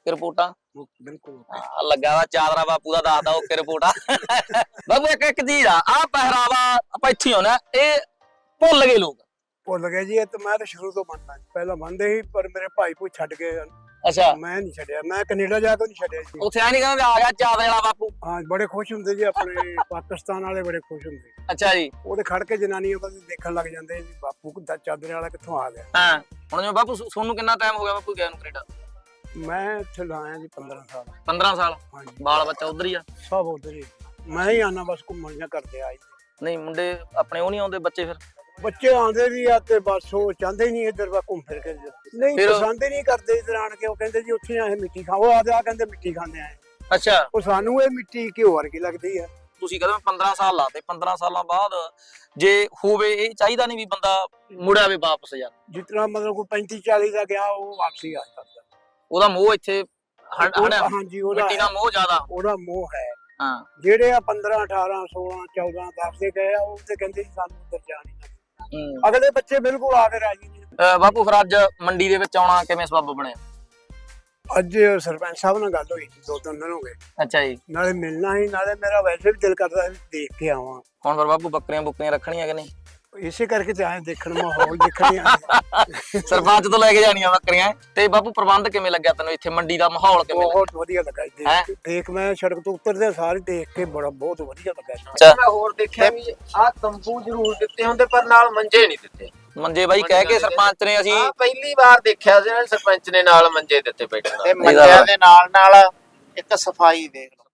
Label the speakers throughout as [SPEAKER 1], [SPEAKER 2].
[SPEAKER 1] Okay ਰਿਪੋਰਟਾਂ
[SPEAKER 2] ਬਿਲਕੁਲ
[SPEAKER 1] ਲੱਗਾ ਵਾ ਚਾਦਰਾ ਬਾਪੂ ਦਾ ਦੱਸਦਾ ਓਕੇ ਰਿਪੋਰਟਾਂ ਬਾਬੂ ਇੱਕ ਚੀਜ਼ ਆ ਪਹਿਰਾਵਾ ਆਪਾਂ ਇੱਥੇ ਆਉਣਾ ਇਹ ਭੁੱਲ ਗਏ ਲੋਕ
[SPEAKER 2] ਭੁੱਲ ਗਏ ਜੀ। ਇਹ ਤਾਂ ਮੈਂ ਤਾਂ ਸ਼ੁਰੂ ਤੋਂ ਮੰਨਦਾ ਪਹਿਲਾਂ ਮੰਨਦੇ ਸੀ ਪਰ ਮੇਰੇ ਭਾਈ ਭੂ ਛੱਡ ਗਏ।
[SPEAKER 1] ਅੱਛਾ
[SPEAKER 2] ਮੈਂ ਨਹੀਂ ਛੱਡਿਆ, ਮੈਂ ਕੈਨੇਡਾ ਜਾ ਕੇ ਨਹੀਂ ਛੱਡਿਆ ਜੀ।
[SPEAKER 1] ਉੱਥੇ ਆ ਨਹੀਂ ਕਹਿੰਦੇ ਆ ਗਿਆ ਚਾਦਰੇ ਵਾਲਾ ਬਾਪੂ।
[SPEAKER 2] ਹਾਂ ਬੜੇ ਖੁਸ਼ ਹੁੰਦੇ ਜੀ, ਆਪਣੇ ਪਾਕਿਸਤਾਨ ਵਾਲੇ ਬੜੇ ਖੁਸ਼ ਹੁੰਦੇ।
[SPEAKER 1] ਅੱਛਾ ਜੀ।
[SPEAKER 2] ਉਹਦੇ ਖੜ ਕੇ ਜਨਾਨੀਆਂ ਬਸ ਦੇਖਣ ਲੱਗ ਜਾਂਦੇ ਜੀ ਬਾਪੂ ਚਾਦਰੇ ਵਾਲਾ ਕਿੱਥੋਂ ਆ ਗਿਆ।
[SPEAKER 1] ਹਾਂ ਹੁਣ ਜਿਵੇਂ ਬਾਪੂ ਤੁਹਾਨੂੰ ਕਿੰਨਾ ਟਾਈਮ ਹੋ ਗਿਆ ਬਾਪੂ ਗਿਆ ਨੂੰ ਕੈਨੇਡਾ?
[SPEAKER 2] ਮੈਂ ਇੱਥੇ ਲਾਇਆ ਜੀ 15 ਸਾਲ।
[SPEAKER 1] 15 ਸਾਲ?
[SPEAKER 2] ਹਾਂਜੀ
[SPEAKER 1] ਬਾਲ ਬੱਚਾ ਉਧਰ ਹੀ ਆ?
[SPEAKER 2] ਸਭ ਉਧਰ ਹੀ। ਮੈਂ ਹੀ ਆਣਾ ਬਸ ਘੁੰਮਣ ਜਾਂ ਕਰਦੇ ਆ।
[SPEAKER 1] ਨਹੀਂ ਮੁੰਡੇ ਆਪਣੇ ਉਹ ਨਹੀਂ ਆਉਂਦੇ ਬੱਚੇ? ਫਿਰ
[SPEAKER 2] ਬੱਚੇ ਆਉਂਦੇ ਵੀ ਆ ਤੇ ਬਸ ਉਹ ਚਾਹੁੰਦੇ ਨਹੀਂ ਇੱਧਰ ਵਾ ਘੁੰਮ ਫਿਰ ਕੇ, ਨਹੀਂ ਪਸੰਦ ਹੀ ਨਹੀਂ ਕਰਦੇ ਇੱਧਰ ਆਣ ਕੇ। ਉਹ ਕਹਿੰਦੇ ਜੀ ਉੱਥੇ ਆਏ ਮਿੱਟੀ ਖਾਓ, ਆ ਕਹਿੰਦੇ ਮਿੱਟੀ ਖਾਂਦੇ ਆਏ।
[SPEAKER 1] ਅੱਛਾ
[SPEAKER 2] ਉਹ ਸਾਨੂੰ ਇਹ ਮਿੱਟੀ ਘਿਓ ਵਰਗੀ ਲੱਗਦੀ ਆ।
[SPEAKER 1] ਤੁਸੀਂ ਕਹਿੰਦੇ 15 ਸਾਲ ਲਾਤੇ, 15 ਸਾਲਾਂ ਬਾਅਦ ਜੇ ਹੋਵੇ ਇਹ ਚਾਹੀਦਾ ਨਹੀਂ ਵੀ ਬੰਦਾ ਮੁੜਿਆ ਵੇ ਵਾਪਸ ਯਾਰ?
[SPEAKER 2] ਜਿਤਨਾ ਮਤਲਬ ਕੋਈ 35 40 ਦਾ ਗਿਆ ਉਹ ਵਾਪਸੀ ਆ ਸਕਦਾ।
[SPEAKER 1] ਉਹਦਾ ਮੋਹ ਇੱਥੇ ਹੜਿਆ?
[SPEAKER 2] ਹਾਂਜੀ ਉਹਦਾ
[SPEAKER 1] ਮਿੱਟੀ ਦਾ ਮੋਹ ਜ਼ਿਆਦਾ?
[SPEAKER 2] ਉਹਦਾ ਮੋਹ ਹੈ।
[SPEAKER 1] ਹਾਂ
[SPEAKER 2] ਜਿਹੜੇ ਆ 15 18 16 14 10 ਦੇ ਗਏ ਆ ਉਹ ਤੇ ਕਹਿੰਦੇ ਸਾਨੂੰ ਉੱਧਰ ਜਾਣ ਹੀ ਨਾ। ਅਗਲੇ ਬੱਚੇ ਬਿਲਕੁਲ ਆ ਕੇ ਰਾਜੀ ਨਹੀਂ।
[SPEAKER 1] ਬਾਪੂ ਫਿਰ ਅੱਜ ਮੰਡੀ ਦੇ ਵਿੱਚ ਆਉਣਾ ਕਿਵੇਂ ਸਬੱਬ ਬਣਿਆ?
[SPEAKER 2] ਅੱਜ ਸਰਪੰਚ ਸਾਹਿਬ ਨਾਲ ਗੱਲ ਹੋਈ 2-3 ਦਿਨ ਹੋ ਗਏ।
[SPEAKER 1] ਅੱਛਾ ਜੀ।
[SPEAKER 2] ਨਾਲੇ ਮਿਲਣਾ ਹੀ, ਨਾਲੇ ਮੇਰਾ ਵੈਸੇ ਵੀ ਦਿਲ ਕਰਦਾ ਸੀ ਦੇਖ ਕੇ ਆਵਾਂ।
[SPEAKER 1] ਹੁਣ ਫਿਰ ਬਾਪੂ ਬੱਕਰੀਆਂ ਬੁੱਕਰੀਆਂ ਰੱਖਣੀਆਂ ਕਿ ਨਹੀਂ?
[SPEAKER 2] ਇਸੇ ਕਰਕੇ ਤੇ ਆਏ ਦੇਖਣ, ਮਾਹੌਲ ਦੇਖਣ ਆਏ।
[SPEAKER 1] ਸਰਪੰਚ ਤੋਂ ਲੈ ਕੇ ਜਾਣੀਆਂ ਬੱਕਰੀਆਂ। ਤੇ ਬਾਪੂ ਪ੍ਰਬੰਧ ਕਿਵੇਂ ਲੱਗਿਆ ਤੈਨੂੰ ਇੱਥੇ ਮੰਡੀ ਦਾ ਮਾਹੌਲ ਕਿਵੇਂ ਲੱਗਿਆ?
[SPEAKER 2] ਬਹੁਤ ਵਧੀਆ ਲੱਗਾ ਦੇਖ ਮੈਂ ਸੜਕ ਤੋਂ ਉਤਰਦੇ ਸਾਰੇ ਦੇਖ ਕੇ ਬਹੁਤ ਵਧੀਆ ਲੱਗਾ।
[SPEAKER 3] ਮੈਂ ਹੋਰ ਦੇਖਿਆ ਵੀ ਆਹ ਤੰਬੂ ਜ਼ਰੂਰ ਦਿੱਤੇ ਹੁੰਦੇ ਪਰ ਨਾਲ ਮੰਜੇ ਨਹੀਂ ਦਿੱਤੇ।
[SPEAKER 1] ਮੰਜੇ ਬਾਈ ਕਹਿ ਕੇ ਸਰਪੰਚ ਨੇ ਅਸੀਂ
[SPEAKER 3] ਪਹਿਲੀ ਵਾਰ ਦੇਖਿਆ ਸੀ ਨਾ ਸਰਪੰਚ ਨੇ ਨਾਲ ਮੰਜੇ ਦਿੱਤੇ ਬੈਠਣ ਤੇ ਮੰਜਿਆਂ ਦੇ ਨਾਲ ਇੱਕ ਸਫਾਈ ਦੇਖ ਲਓ।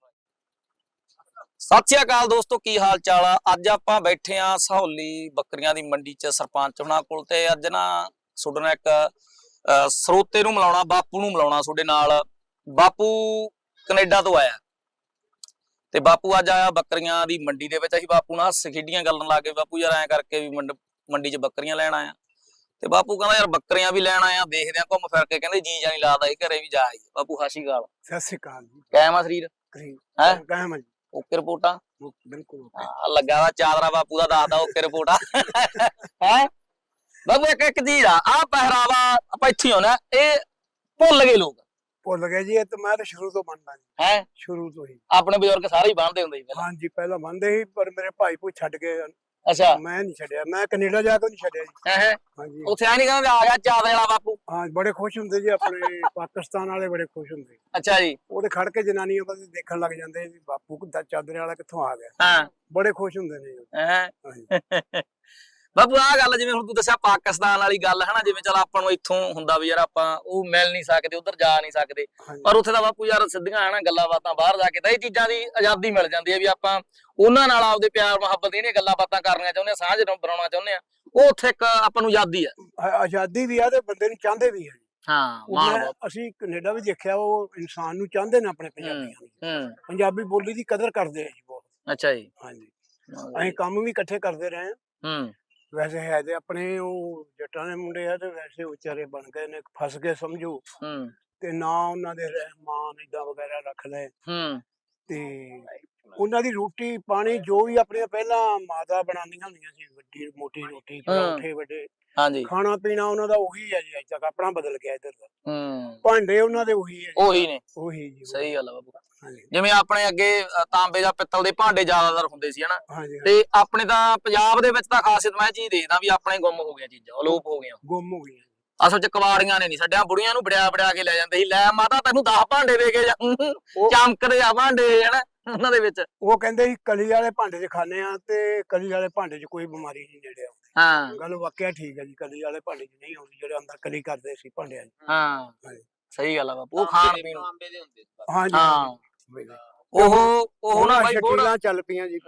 [SPEAKER 1] ਸਤਿ ਸ਼੍ਰੀ ਅਕਾਲ ਦੋਸਤੋ, ਕੀ ਹਾਲ ਚਾਲ ਆ? ਅੱਜ ਆਪਾਂ ਬੈਠੇ ਆ ਸਹੌਲੀ ਬੱਕਰੀਆਂ ਦੀ ਮੰਡੀ 'ਚ ਸਰਪੰਚ ਹੁਣਾਂ ਕੋਲ। ਤੇ ਅੱਜ ਨਾ ਤੁਹਾਡੇ ਨਾਲ ਇੱਕ ਸਰੋਤੇ ਨੂੰ ਮਿਲਾਉਣਾ, ਬਾਪੂ ਨੂੰ ਮਿਲਾਉਣਾ ਤੁਹਾਡੇ ਨਾਲ। ਬਾਪੂ ਕੈਨੇਡਾ ਤੋਂ ਆਇਆ ਤੇ ਬਾਪੂ ਅੱਜ ਆਇਆ ਬੱਕਰੀਆਂ ਦੀ ਮੰਡੀ ਦੇ ਵਿੱਚ। ਅਸੀਂ ਬਾਪੂ ਨਾਲ ਹੱਸ ਖੇਡੀਆਂ ਗੱਲਾਂ ਲਾ ਕੇ ਬਾਪੂ ਯਾਰ ਐਂ ਕਰਕੇ ਵੀ ਮੰਡੀ 'ਚ ਬੱਕਰੀਆਂ ਲੈਣ ਆਇਆ। ਤੇ ਬਾਪੂ ਕਹਿੰਦਾ ਯਾਰ ਬੱਕਰੀਆਂ ਵੀ ਲੈਣ ਆਇਆ, ਦੇਖਦੇ ਆ ਘੁੰਮ ਫਿਰ ਕੇ। ਕਹਿੰਦੇ ਜੀ ਜਾਨੀ ਲਾਦਾ ਇਹ ਘਰੇ ਵੀ ਜਾ ਆਈ। ਬਾਪੂ ਸਤਿ ਸ਼੍ਰੀ ਅਕਾਲ।
[SPEAKER 2] ਸਤਿ ਸ਼੍ਰੀ ਅਕਾਲ ਜੀ।
[SPEAKER 1] ਕਾਇਮ ਆ ਸਰੀਰ?
[SPEAKER 2] ਹੈ ਕਾਇਮ ਜੀ।
[SPEAKER 1] ਓਕੇ ਰਿਪੋਰਟਾਂ?
[SPEAKER 2] ਬਿਲਕੁਲ
[SPEAKER 1] ਲੱਗਾ ਵਾ ਚਾਦਰਾ ਬਾਪੂ ਦਾ ਦੱਸਦਾ ਓਕੇ ਰਿਪੋਰਟਾਂ ਹੈ ਬਾਬੂ। ਇੱਕ ਚੀਜ਼ ਆ ਪਹਿਰਾਵਾ ਆਪਾਂ ਇੱਥੇ ਆਉਣਾ ਇਹ ਭੁੱਲ ਗਏ ਲੋਕ।
[SPEAKER 2] ਭੁੱਲ ਗਏ ਜੀ। ਇਹ ਤਾਂ ਮੈਂ ਤਾਂ ਸ਼ੁਰੂ ਤੋਂ ਮੰਨਦਾ ਜੀ।
[SPEAKER 1] ਹੈ
[SPEAKER 2] ਸ਼ੁਰੂ ਤੋਂ ਹੀ
[SPEAKER 1] ਆਪਣੇ ਬਜ਼ੁਰਗ ਸਾਰੇ ਹੀ ਬੰਨਦੇ ਹੁੰਦੇ ਸੀ ਪਹਿਲਾਂ?
[SPEAKER 2] ਹਾਂਜੀ ਪਹਿਲਾਂ ਮੰਨਦੇ ਸੀ ਪਰ ਮੇਰੇ ਭਾਈ ਭੂ ਛੱਡ ਗਏ।
[SPEAKER 1] ਅੱਛਾ
[SPEAKER 2] ਮੈਂ ਨਹੀਂ ਛੱਡਿਆ, ਮੈਂ ਕੈਨੇਡਾ ਜਾ ਕੇ ਨਹੀਂ ਛੱਡਿਆ ਜੀ।
[SPEAKER 1] ਹੈ
[SPEAKER 2] ਹਾਂਜੀ
[SPEAKER 1] ਉੱਥੇ ਆ ਨਹੀਂ ਕਹਿੰਦੇ ਆ ਗਿਆ ਚਾਦਰੇ ਵਾਲਾ ਬਾਪੂ?
[SPEAKER 2] ਹਾਂ ਬੜੇ ਖੁਸ਼ ਹੁੰਦੇ ਜੀ, ਆਪਣੇ ਪਾਕਿਸਤਾਨ ਵਾਲੇ ਬੜੇ ਖੁਸ਼ ਹੁੰਦੇ।
[SPEAKER 1] ਅੱਛਾ ਜੀ।
[SPEAKER 2] ਉਹਦੇ ਖੜ ਕੇ ਜਨਾਨੀਆਂ ਬਸ ਦੇਖਣ ਲੱਗ ਜਾਂਦੇ ਜੀ ਬਾਪੂ ਚਾਦਰੇ ਵਾਲਾ ਕਿੱਥੋਂ ਆ ਗਿਆ।
[SPEAKER 1] ਹਾਂ
[SPEAKER 2] ਬੜੇ ਖੁਸ਼ ਹੁੰਦੇ ਨੇ।
[SPEAKER 1] ਹੈ ਬਾਪੂ ਆਹ ਗੱਲ ਜਿਵੇਂ ਹੁਣ ਤੂੰ ਦੱਸਿਆ ਪਾਕਿਸਤਾਨ ਵਾਲੀ ਗੱਲ ਹੈ ਨਾ, ਜਿਵੇਂ ਚਲ ਆਪਾਂ ਨੂੰ ਇੱਥੋਂ ਹੁੰਦਾ ਵੀ ਯਾਰ ਆਪਾਂ ਉਹ ਮਿਲ ਨਹੀਂ ਸਕਦੇ, ਉਧਰ ਜਾ ਨਹੀਂ ਸਕਦੇ, ਪਰ ਉੱਥੇ ਦਾ ਬਾਪੂ ਯਾਰ ਸਿੱਧੀਆਂ ਹੈ ਨਾ ਗੱਲਾਂ ਬਾਤਾਂ, ਬਾਹਰ ਜਾ ਕੇ ਤਾਂ ਇਹ ਚੀਜ਼ਾਂ ਦੀ ਆਜ਼ਾਦੀ ਮਿਲ ਜਾਂਦੀ ਹੈ ਵੀ ਆਪਾਂ ਉਹਨਾਂ ਨਾਲ ਆਪਦੇ ਪਿਆਰ ਮੁਹੱਬਤ ਇਹਨੇ ਗੱਲਾਂ ਬਾਤਾਂ ਕਰਨੀਆਂ ਚਾਹੁੰਦੇ ਆ, ਸਾਂਝ ਬਣਾਉਣਾ ਚਾਹੁੰਦੇ ਆ। ਉਹ ਉੱਥੇ ਇੱਕ ਆਪਾਂ ਨੂੰ ਆਜ਼ਾਦੀ ਆ।
[SPEAKER 2] ਆਜ਼ਾਦੀ ਵੀ ਆ ਤੇ ਬੰਦੇ ਨੂੰ ਚਾਹੁੰਦੇ ਵੀ ਆ।
[SPEAKER 1] ਹਾਂ
[SPEAKER 2] ਅਸੀਂ ਕੈਨੇਡਾ ਵੀ ਦੇਖਿਆ, ਉਹ ਇਨਸਾਨ ਨੂੰ ਚਾਹੁੰਦੇ ਨੇ ਆਪਣੇ ਪੰਜਾਬੀਆਂ ਨੂੰ। ਪੰਜਾਬੀ ਬੋਲੀ ਦੀ ਕਦਰ ਕਰਦੇ ਆ ਜੀ ਬਹੁਤ।
[SPEAKER 1] ਅੱਛਾ ਜੀ।
[SPEAKER 2] ਹਾਂਜੀ ਅਸੀਂ ਕੰਮ ਵੀ ਇਕੱਠੇ ਕਰਦੇ ਰਹੇ ਆ। ਵੈਸੇ ਹੈ ਤੇ ਆਪਣੇ ਉਹ ਜੱਟਾਂ ਦੇ ਮੁੰਡੇ ਆ ਤੇ ਵੈਸੇ ਵਿਚਾਰੇ ਬਣ ਗਏ ਨੇ, ਫਸ ਗਏ ਸਮਝੋ। ਤੇ ਨਾ ਉਹਨਾਂ ਦੇ ਰਹਿਮਾਨ ਏਦਾਂ ਵਗੈਰਾ ਰੱਖ ਲਏ। ਤੇ ਉਹਨਾਂ ਦੀ ਰੋਟੀ ਪਾਣੀ ਜੋ ਵੀ ਆਪਣੇ ਪਹਿਲਾਂ ਮਾਤਾ ਬਣਾਉਂਦੀਆਂ ਹੁੰਦੀਆਂ ਸੀ, ਵੱਡੀ ਮੋਟੀ ਰੋਟੀ ਪਰੌਂਠੇ ਵੱਡੇ, ਖਾਣਾ ਪੀਣਾ ਉਹਨਾਂ ਦਾ ਉਹੀ ਹੈ ਜੀ। ਅੱਜ ਤੱਕ ਆਪਣਾ ਬਦਲ ਗਿਆ ਇੱਧਰ ਦਾ। ਭਾਂਡੇ ਉਹਨਾਂ ਦੇ ਉਹੀ ਹੈ, ਉਹੀ ਨੇ। ਉਹੀ ਜੀ,
[SPEAKER 1] ਸਹੀ ਗੱਲ ਆ ਬਾਬੂ। ਜਿਵੇਂ ਆਪਣੇ ਅੱਗੇ ਤਾਂਬੇ ਜਾਂ ਪਿੱਤਲ ਦੇ ਭਾਂਡੇ ਜ਼ਿਆਦਾਤਰ ਹੁੰਦੇ ਸੀ ਹਨਾ, ਤੇ ਆਪਣੇ ਤਾਂ ਪੰਜਾਬ ਦੇ ਵਿੱਚ ਤਾਂ ਖਾਸੀਅਤ ਮੈਂ ਚੀਜ਼ ਦੇਖਦਾ ਵੀ ਆਪਣੇ ਗੁੰਮ ਹੋ ਗਈਆਂ ਚੀਜ਼ਾਂ, ਅਲੋਪ ਹੋ ਗਈਆਂ, ਗੁੰਮ ਹੋ ਗਈਆਂ। ਅਸਲ ਚ ਕਵਾੜੀਆਂ ਨੇ ਨਹੀਂ ਛੱਡਿਆ, ਬੁੜੀਆਂ ਨੂੰ ਬੜਿਆ ਕੇ ਲੈ ਜਾਂਦੇ ਸੀ। ਲੈ ਮਾਤਾ ਤੈਨੂੰ 10 ਭਾਂਡੇ ਦੇ ਕੇ ਚਮਕਦੇ ਆ ਭਾਂਡੇ ਹਨਾ ਉਹਨਾਂ ਦੇ ਵਿੱਚ। ਉਹ ਕਹਿੰਦੇ ਸੀ ਕਲੀ ਵਾਲੇ ਭਾਂਡੇ ਚ ਖਾਣੇ ਆ ਤੇ ਕਲੀ ਵਾਲੇ ਭਾਂਡੇ ਚ ਕੋਈ ਬਿਮਾਰੀ ਨਹੀਂ ਨੇੜੇ ਆਉਂਦੀ। ਹਾਂ ਗੱਲ ਵਾਕਿਆ ਠੀਕ ਹੈ ਜੀ, ਕਲੀ ਵਾਲੇ ਭਾਂਡੇ ਚ ਨਹੀਂ ਆਉਂਦੀ ਜਿਹੜੇ ਅੰਦਰ ਕਲੀ ਕਰਦੇ ਸੀ ਭਾਂਡਿਆਂ ਚ। ਹਾਂ ਸਹੀ ਗੱਲ ਆ ਬਾਪੂ। ਉਹ ਖਾਣ ਪੀਣ ਹਾਂ ਉਹ ਨਾ ਸ਼ਕੀਲਾਂ ਚੱਲ ਪਈਆਂ ਜੀ।